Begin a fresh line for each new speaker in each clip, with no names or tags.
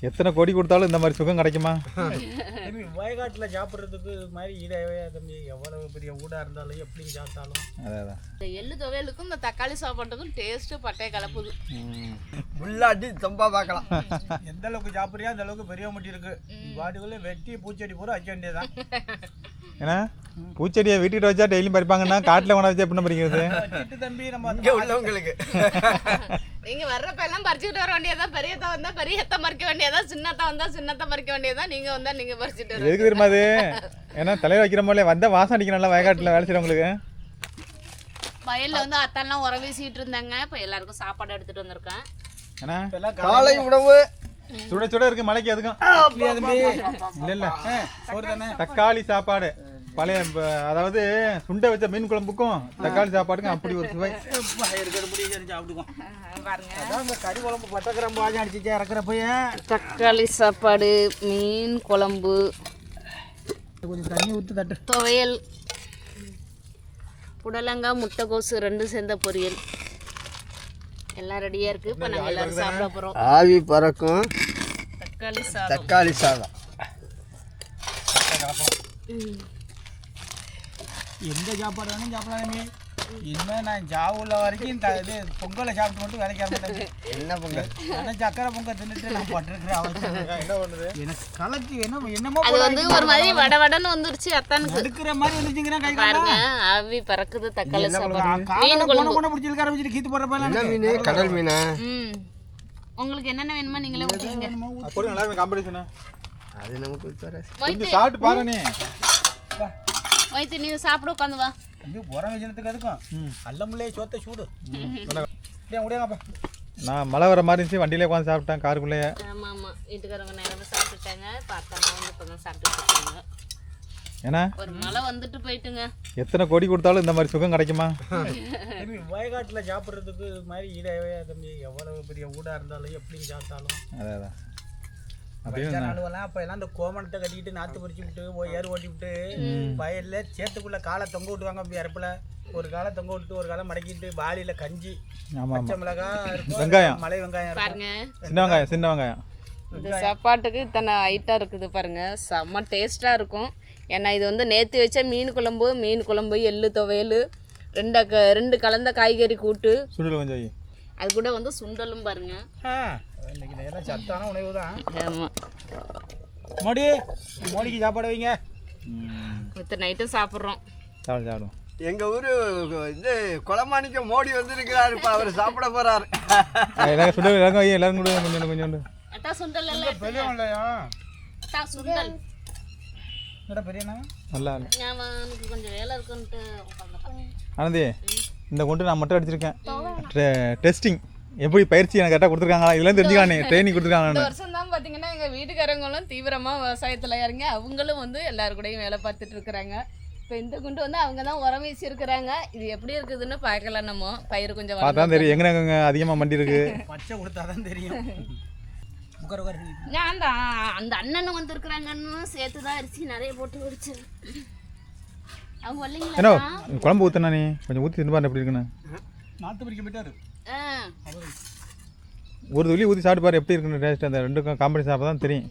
எத்தனை கோடி கொடுத்தாலும் இந்த மாதிரி சுகம் கிடைக்குமா?
வயக்காட்டில் சாப்பிட்றதுக்கு இது மாதிரி ஈடாகவே தம்பி எவ்வளவு பெரிய ஊடாக இருந்தாலும் எப்படி சாப்பிட்டாலும்
அதான்
இந்த எள்ளு துவையலுக்கும் இந்த தக்காளி சாப்பாட்டுக்கும் டேஸ்ட்டு பட்டையை கலப்புது.
முள்ளாட்டி தொம்பா பார்க்கலாம்.
எந்த அளவுக்கு சாப்பிட்றியா அந்த அளவுக்கு பெரிய முட்டி இருக்கு. வாடிக்குள்ளே வெட்டி பூச்செடி பூரா வைக்க வேண்டியதுதான்.
ஏன்னா பூச்செடியை வீட்டுக்கிட்ட வச்சா டெய்லியும் பறிப்பாங்கன்னா காட்டில் கொண்டா வச்சா எப்படி பறிக்கிறது?
தம்பி நம்ம
இங்கே உள்ளவங்களுக்கு
நீங்க வர்றப்ப எல்லாம் பறிச்சுட்டு வர வேண்டியதா, பெரியத்த வந்தா பெரியத்த பறிக்க வேண்டியதா, சின்னத்த வந்தா சின்னத்த பறிக்க வேண்டியதா, நீங்க வந்தா நீங்க பறிச்சுட்டு வர.
எதுக்கு தெரியுமா அது? ஏன்னா தலையில் வைக்கிற மாதிரி வந்த வாசம் அடிக்கணும்ல வயக்காட்டில் வேலை செய்கிறவங்களுக்கு.
வயல்ல வந்து அத்தெல்லாம் உரம் வீசிட்டு இருந்தாங்க. இப்போ எல்லாருக்கும் சாப்பாடு எடுத்துட்டு வந்திருக்கேன்.
ஏன்னா
காலை உணவு
சுட சுட இருக்கு மலைக்கு. அதுக்கும் இல்லை இல்லை
சோறு தானே.
தக்காளி சாப்பாடு பழைய அதாவது சுண்டை வச்ச மீன் குழம்புக்கும் தக்காளி சாப்பாடுக்கும் அப்படி ஒரு சுவை.
இருக்கிற முடியும் சரி சாப்பிட்டுக்கோம்.
பாருங்க,
அதான் இந்த கறி குழம்பு பட்டை கிராம்பு வாங்கி அடிச்சிச்சு இறக்குறப்ப
தக்காளி சாப்பாடு, மீன் குழம்பு,
கொஞ்சம் தண்ணி ஊற்றி தட்டு,
துவையல், புடலங்காய், முட்டைக்கோசு 2 சேர்ந்த பொரியல் எல்லாம் ரெடியா இருக்கு. இப்போ நாங்கள் எல்லாரும் சாப்பிட போறோம்.
ஆவி பறக்கும்
தக்காளி சாதம்.
தக்காளி சாதம்.
எந்த சாப்பாடு வேணும் சாப்பிடாதே. இனிமேல் நான் சாவுள்ள வரைக்கும் இந்த இது பொங்கலை சாப்பிட்டு மட்டும் வேலைக்கு ஆரம்பிட்டேன்.
என்ன பொங்கல்?
ஆனால் சக்கரை பொங்கல் தின்னுட்டு நான் பட்டிருக்கிறேன். அவசியம்
என்ன பண்ணுது?
எனக்கு கலக்கி என்னமோ
அது வந்து ஒரு மாதிரி வட வடன்னு வந்துருச்சு. அத்தானுக்கு
எடுக்கிற மாதிரி வந்துச்சுங்கிறேன். கை
பாருங்க, ஆவி பறக்குது. தக்காளி சாப்பாடு, மீன்
காலையில்
குழம்பு.
போன பிடிச்சிருக்க ஆரம்பிச்சிட்டு கீத்து போடுறப்ப
என்ன மீன்? கடல் மீனா?
உங்களுக்கு என்னென்ன வேணுமோ நீங்களே ஊற்றிங்க.
அப்போ நல்லா இருக்கும் காம்படிஷனா.
அது நமக்கு தர
கொஞ்சம் சாப்பிட்டு பாரு நீ.
வைத்து நீ சாப்பிட உட்காந்து வா.
உரம் வச்சுனதுக்கு அதுக்கும் அல்ல முள்ளையே சோத்த சூடு முடியாங்கப்பா.
நான் மழை வர மாதிரி இருந்துச்சு, வண்டியிலே உட்காந்து சாப்பிட்டேன் காருக்குள்ளேயே.
ஆமாம் ஆமாம், வீட்டுக்காரங்க நேரமாக சாப்பிட்டுட்டாங்க. பார்த்தாங்க வந்து இப்போ தான் சாப்பிட்டு இருக்காங்க.
ஏன்னா
ஒரு மழை வந்துட்டு போயிட்டுங்க.
எத்தனை கோடி கொடுத்தாலும் இந்த மாதிரி சுகம் கிடைக்குமா?
தம்பி வயக்காட்டில் சாப்பிட்றதுக்கு இது மாதிரி ஈடாகவே தம்பி எவ்வளவு பெரிய ஊடாக இருந்தாலும் எப்படி சாப்பிட்டாலும்
அதான்
நடுவெல்லாம் அப்போ எல்லாம் இந்த கோமணத்தை கட்டிக்கிட்டு நாற்று பறிச்சு விட்டு ஏறு ஓட்டி விட்டு வயலில் சேத்துக்குள்ளே காலை தொங்க விட்டுவாங்க. அப்படி இறப்பில் ஒரு காலை தொங்க விட்டு ஒரு காலை மடக்கிட்டு வாளியில் கஞ்சி, பச்சை மிளகாய் இருக்கும்,
வெங்காயம்,
மலை வெங்காயம்
பாருங்க,
சின்ன வெங்காயம்.
இந்த சாப்பாட்டுக்கு இத்தனை ஐட்டம் இருக்குது பாருங்க. செம்ம டேஸ்ட்டாக இருக்கும். ஏன்னா இது வந்து நேற்று வச்ச மீன் குழம்பு, எள்ளு துவையல், 2 கலந்த காய்கறி கூட்டு,
சுண்டல் கொஞ்சம்
அது கூட வந்து சுண்டலும் பாருங்க.
இன்னைக்கு நேரம் சத்தான உணவு தான்.
ஆமாம்,
மோடிக்கு சாப்பாடு வைங்க.
இத்தனை ஐட்டம் சாப்பிட்றோம்.
சாப்பிடுவோம்.
எங்க ஊரு இது கொலமாணிக்க மோடி வந்திருக்கிறாரு. இப்போ அவர் சாப்பிட போறாரு.
எல்லாரும் சுண்டல் எல்லாரும் கூட கொஞ்சம் கொஞ்சோண்டு.
அதான் சுண்டல் எல்லாம்
பெரிய இல்லையா?
அதான் சுண்டல்
பெரியண்ணா
நல்லா
எனக்கு கொஞ்சம் வேலை இருக்குன்ட்டு உட்காந்துட்டேன்.
ஆனந்தி, இந்த கொண்டு நான் மட்டும் அடிச்சிருக்கேன். டெஸ்டிங் எப்படி பயிற்சி எனக்கு கரெக்டாக கொடுத்துருக்காங்களா இதெல்லாம் தெரிஞ்சுக்கலாம். ட்ரைனிங் கொடுத்துருக்காங்க.
இந்த வருஷம் தான் பார்த்தீங்கன்னா எங்கள் வீட்டுக்காரங்களும் தீவிரமாக விவசாயத்தில் இறங்கி அவங்களும் வந்து எல்லாரு கூடயும் வேலை பார்த்துட்டு இருக்கிறாங்க. இப்போ இந்த குண்டு வந்து அவங்க தான் உரம் வீசி இருக்கிறாங்க. இது எப்படி இருக்குதுன்னு பார்க்கலாம். நம்ம பயிர் கொஞ்சம்
பார்த்தா தெரியும் எங்கே அதிகமாக மண்டி இருக்கு.
பச்சை கொடுத்தா தான் தெரியும்.
நான் அந்த அண்ணனும் வந்து இருக்கிறாங்கன்னு சேர்த்து தான் அரிசி நிறைய போட்டு வடிச்சேன். அவங்க வரலீங்களா?
ஏன்னா குழம்பு ஊற்றுனா நீ கொஞ்சம் ஊற்றி தின்னு பாரு எப்படி இருக்குன்னு.
நாற்று பறிக்க போயிட்டாரு.
ஒரு துளி ஊற்றி சாப்பிட்டு பாரு எப்படி இருக்குன்னு டேஸ்ட். அந்த 2க்கும் காம்படிஷன் சாப்பிட தான் தெரியும்.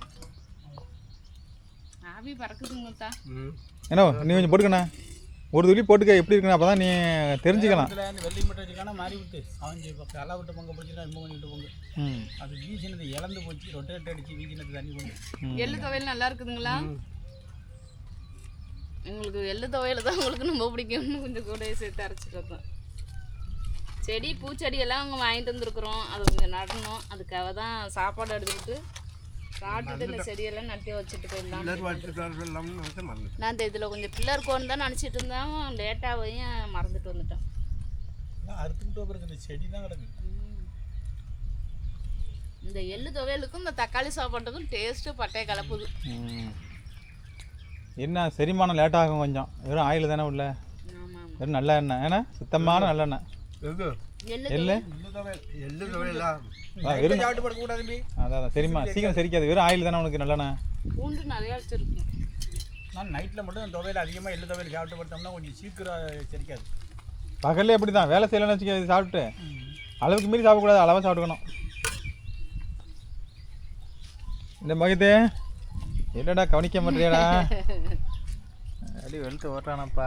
ஆவி பறக்குதுங்கத்தா.
ஏன்னா நீ கொஞ்சம் போட்டுக்கண்ணா, ஒரு துளி போட்டுக்க எப்படி இருக்குன்னு அப்போ தான் நீ தெரிஞ்சுக்கலாம்.
வெள்ளி மட்டும் வச்சுக்கான மாறி விட்டு அவங்க களை விட்டு பொங்க பிடிச்சிருக்கா இன்பம் பண்ணி விட்டு பொங்கு. அது வீசினது இழந்து போச்சு. ரொட்டேட் அடிச்சு வீசினது தண்ணி பொங்கு.
எள்ளு துவையல் நல்லா இருக்குதுங்களா? உங்களுக்கு எள்ளு துவையல் தான் உங்களுக்கு ரொம்ப பிடிக்கும்னு கொஞ்சம் கூட சேர்த்து அரைச்சிட்டு வந்தோம். செடி பூச்செடியெல்லாம் அவங்க வாங்கிட்டு வந்துருக்குறோம். அது கொஞ்சம் நடணும். அதுக்காக தான் சாப்பாடு எடுத்துக்கிட்டு காட்டுட்டு இந்த செடியெல்லாம் நட்டி வச்சுட்டு போயிருந்தோம். நான் இந்த இதில் கொஞ்சம் பில்லர் கோன்னு தான் நினச்சிட்டு இருந்தோம். லேட்டாகவும் மறந்துட்டு வந்துட்டோம்.
அறுத்துக்கிட்டு போகிற செடி தான் கிடக்கு.
இந்த எள்ளு துவையலுக்கும் இந்த தக்காளி சாப்பாட்டுக்கும் டேஸ்ட்டு பட்டையை கலப்புது.
என்ன செரிமானம் லேட்டாகும் கொஞ்சம். வெறும் ஆயில் தானே உள்ள. வெறும் நல்ல எண்ணெய். ஏன்னா சுத்தமான நல்லெண்ணெய். அதான் சரிம்மா சீக்கிரம் செரிக்காது. வெறும் ஆயில் தானே உனக்கு நல்லெண்ணெய்.
பூண்டு நிறையா வச்சுருக்கேன்.
நான் நைட்டில் மட்டும் துவையல் அதிகமாக எள்ளு துவையல் சாப்பிட்டு படுத்தோம்னா கொஞ்சம் சீக்கிரம் செரிக்காது.
பகல்லே அப்படி தான் வேலை செய்யலாம்னு வச்சுக்க. சாப்பிட்டு அளவுக்கு மீறி சாப்பிடக்கூடாது, அளவாக சாப்பிட்டுக்கணும். இந்த மகிதே என்னடா கவனிக்க மாட்டேறியாடா அடி வெளுத்து ஓட்டுறானப்பா.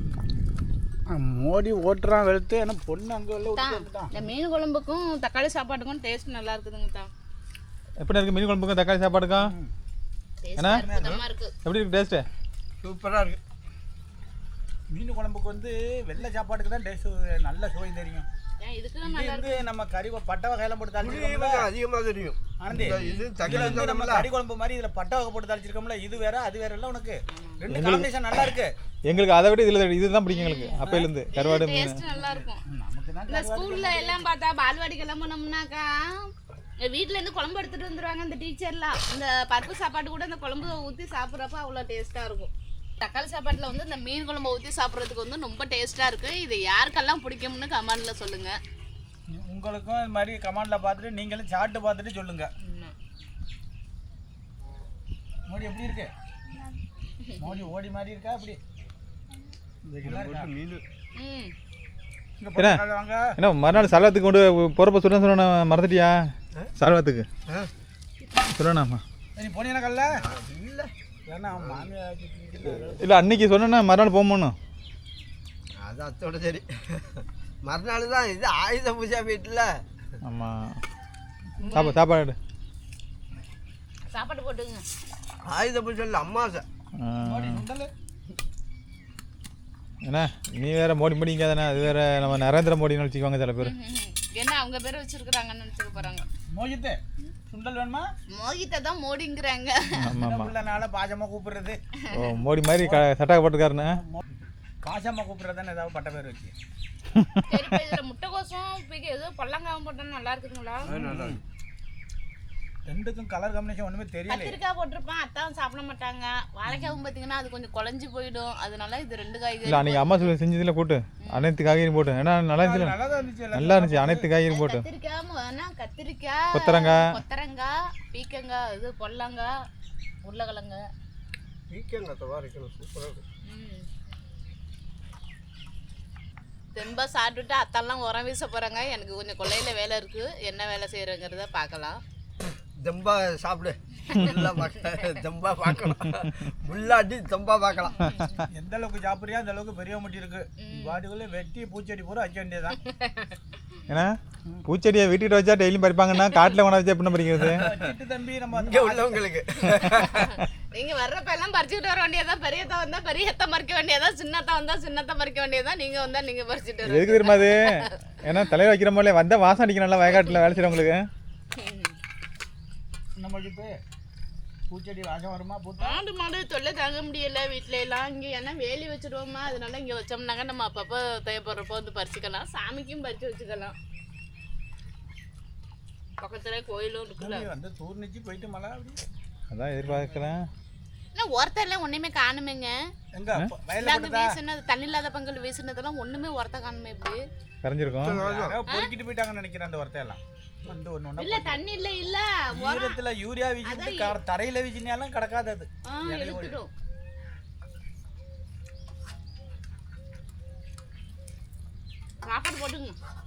மோடி ஓட்டுறான் வெளுத்து, ஏன்னா பொண்ணு அங்கே உள்ள விட்டுட்டான்.
இந்த மீன் குழம்புக்கும் தக்காளி சாப்பாட்டுக்கும் டேஸ்ட் நல்லா இருக்குதுங்க தான்.
எப்படி இருக்குது மீன் குழம்புக்கும் தக்காளி சாப்பாடுக்கும்?
டேஸ்ட் அற்புதமாக இருக்குது.
எப்படி இருக்குது டேஸ்ட்டு?
சூப்பராக இருக்கு. மீன் குழம்புக்கு வந்து வெள்ளை சாப்பாட்டுக்கு தான் டேஸ்ட் நல்ல சுவை தெரியும்.
ஏன் இதுக்கு
இது வந்து நம்ம கறி பட்டை வகையெல்லாம் போட்டு
புளி
தாளிச்சிருக்கோம்ல
கொஞ்சம் அதிகமாக தெரியும்.
ஆனந்தி,
இது
இதுல
தக்காளி
வந்து நம்ம
சாதம்ல
கறி குழம்பு மாதிரி இதுல பட்டை வகை போட்டு தாளிச்சிருக்கோம்ல, இது வேற அது வேற இல்ல. உனக்கு ரெண்டு காம்பினேஷன் நல்லா இருக்கு.
எங்களுக்கு அதை விட இதுதான் பிடிக்கும் எங்களுக்கு அப்பையிலேருந்து கருவாடு மீன்.
டேஸ்ட் நல்லா இருக்கும்.
நமக்கு தான்
இந்த ஸ்கூல்ல எல்லாம் பார்த்தா பால்வாடி கிளம்புனோம்னாக்கா வீட்ல இருந்து குழம்பு எடுத்துட்டு வந்துருவாங்க இந்த டீச்சர்லாம். இந்த பருப்பு சாப்பாடு கூட இந்த குழம்பு ஊற்றி சாப்பிட்றப்ப அவ்வளோ டேஸ்டா இருக்கும். தக்காளி சாப்பாட்டில் வந்து இந்த மீன் குழம்பு ஊற்றி சாப்பிட்றதுக்கு வந்து ரொம்ப டேஸ்ட்டாக இருக்குது. இது யாருக்கெல்லாம் பிடிக்கும்னு கமெண்டில் சொல்லுங்கள்.
உங்களுக்கும் இது மாதிரி கமாண்ட்ல பார்த்துட்டு நீங்களும் சாப்பிட்டு பார்த்துட்டு சொல்லுங்க. மோடி எப்படி இருக்கு? மோடி ஓடி மாதிரி இருக்கா? அப்படி
மீன்
ம்
வாங்க.
என்ன மறுநாள் சலவத்துக்கு கொண்டு போகிறப்ப சொன்ன மறந்துட்டியா? சலவத்துக்கு சொல்லணாமா?
நீ போனீங்கன்னா கல்ல
இல்லை
ஏன்னா மாமியார்
இல்லை அன்னைக்கு சொன்னேன்னா மறுநாள் போகணும்.
அது அத்தோட சரி. மறுநாள் தான் இது ஆயுத பூஜை வீட்டில்.
ஆமாம் சாப்பாடு
சாப்பாடு போட்டுங்க.
ஆயுத பூஜை இல்லை அம்மாசை.
மோடி சுண்டல்
ஏன்னா நீ வேற மோடி தானே, அது வேற நம்ம நரேந்திர மோடின்னு வச்சுக்குவாங்க சில பேர்.
என்ன அவங்க பேர் வச்சிருக்கிறாங்கன்னு நினச்சிக்க போகிறாங்க.
மோகித்து சுண்டல் வேணுமா?
மோகித்தை தான் மோடிங்கிறாங்க.
ஆமாம் ஆமாம்.
உள்ளனால பாஜமா கூப்பிடுறது.
ஓ மோடி மாதிரி சட்டாக போட்டுக்காருன்னு
பாஜமா கூப்பிடுறதானே ஏதாவது பட்ட பேர் வச்சு.
சரி, இப்போ இதில் முட்டைக்கோசம் இப்போ ஏதோ பள்ளங்காவும் போட்டோன்னா நல்லா இருக்குதுங்களா?
நல்லா
ரெண்டுக்கும் கலர் காம்பினேஷன் ஒண்ணுமே தெரியல.
கத்திரிக்காய் போட்டிருப்பேன், அத்தான் சாப்பிட மாட்டாங்க. வாழைக்காவும் பார்த்தீங்கன்னா அது கொஞ்சம் குழஞ்சி போயிடும். அதனால இது ரெண்டு காய்கறி.
இல்லை அன்றைக்கி அம்மா செஞ்சதில் கூட்டு அனைத்து காய்கறியும் போட்டு. ஏன்னா நல்லா இருந்துச்சு,
நல்லா தான் இருந்துச்சு.
நல்லா இருந்துச்சு அனைத்து காய்கறியும் போட்டு.
கத்திரிக்காய் கொத்தரங்காய் பீக்கங்காய் இது பொல்லங்காய் உருளைக்கிழங்கு
வீக்கெண்ட் இருக்கணும். சூப்பராக இருக்கும்.
தெம்பா சாப்பிட்டுட்டு அத்தெல்லாம் உரம் வீச போகிறாங்க. எனக்கு கொஞ்சம் கொள்ளையில் வேலை இருக்குது. என்ன வேலை செய்கிறேங்கிறத பார்க்கலாம்.
தெம்பா சாப்பிடு. தெம்பா பார்க்கலாம். முள்ளாட்டி தெம்பா பார்க்கலாம்.
எந்த அளவுக்கு சாப்பிட்றியா அந்த அளவுக்கு பெரிய முட்டி இருக்கு. வாட்டுக்குள்ளே வெட்டி பூச்செடி பூரா வைக்க வேண்டியதான்.
ஏன்னா பூச்செடியை வீட்டுக்கிட்ட வச்சா டெய்லியும் பறிப்பாங்கன்னா காட்டில் கொண்டா வச்சா எப்படி பறிக்கிறது?
வச்சுட்டு தம்பி நம்ம
இங்கே உள்ளவங்களுக்கு
நீங்க வர்றப்ப எல்லாம் பறிச்சுட்டு வர வேண்டியதான். பெரியத்தா வந்தா பெரியத்த மறிக்க வேண்டியதான், சின்னத்தா வந்தா சின்னத்தை மறிக்க வேண்டியதான். நீங்க வந்தா நீங்க பறிச்சுட்டு வர.
எதுக்கு தெரியுமா அது? ஏன்னா தலையில் வைக்கிற மாதிரி வந்தால் வாசம் அடிக்கணும்ல வயக்காட்டில் வேலை செய்கிறவங்களுக்கு.
நம்மளுக்கு இப்போ பூச்செடி வாசம் வருமா?
ஆடு மாடு தொல்லை தாங்க முடியல வீட்டில எல்லாம். இங்கே ஏன்னா வேலி வச்சுடுவோமா, அதனால இங்கே வச்சோம்னாங்க நம்ம அப்பப்போ தேவைப்படுறப்போ வந்து பறிச்சுக்கலாம். சாமிக்கும் பறிச்சு வச்சுக்கலாம். பக்கத்துல கோயிலும் இருக்குல்ல.
வந்து தூர்னிச்சு போயிட்டு மழை அப்படி
அதான் எதிர்பார்க்குறேன்.
ஆனால் ஒருத்தர்லாம் ஒன்றுமே காணுமேங்க.
எங்க வயல்ல
நாங்கள் வீசினது தண்ணி இல்லாத பங்கல் வீசினதெல்லாம் ஒன்றுமே ஒருத்த காணுமே. இப்படி
கரைஞ்சிருக்கும்.
பொறுக்கிட்டு போயிட்டாங்கன்னு நினைக்கிறேன் அந்த ஒருத்தையெல்லாம். வந்து ஒன்று
இல்லை தண்ணி இல்லை இல்லை
ஈரத்துல யூரியா வீசிட்டு தரையில வீசினாலும் கிடக்காது அது.
எடுத்துடும். சாப்பாடு போட்டுங்க.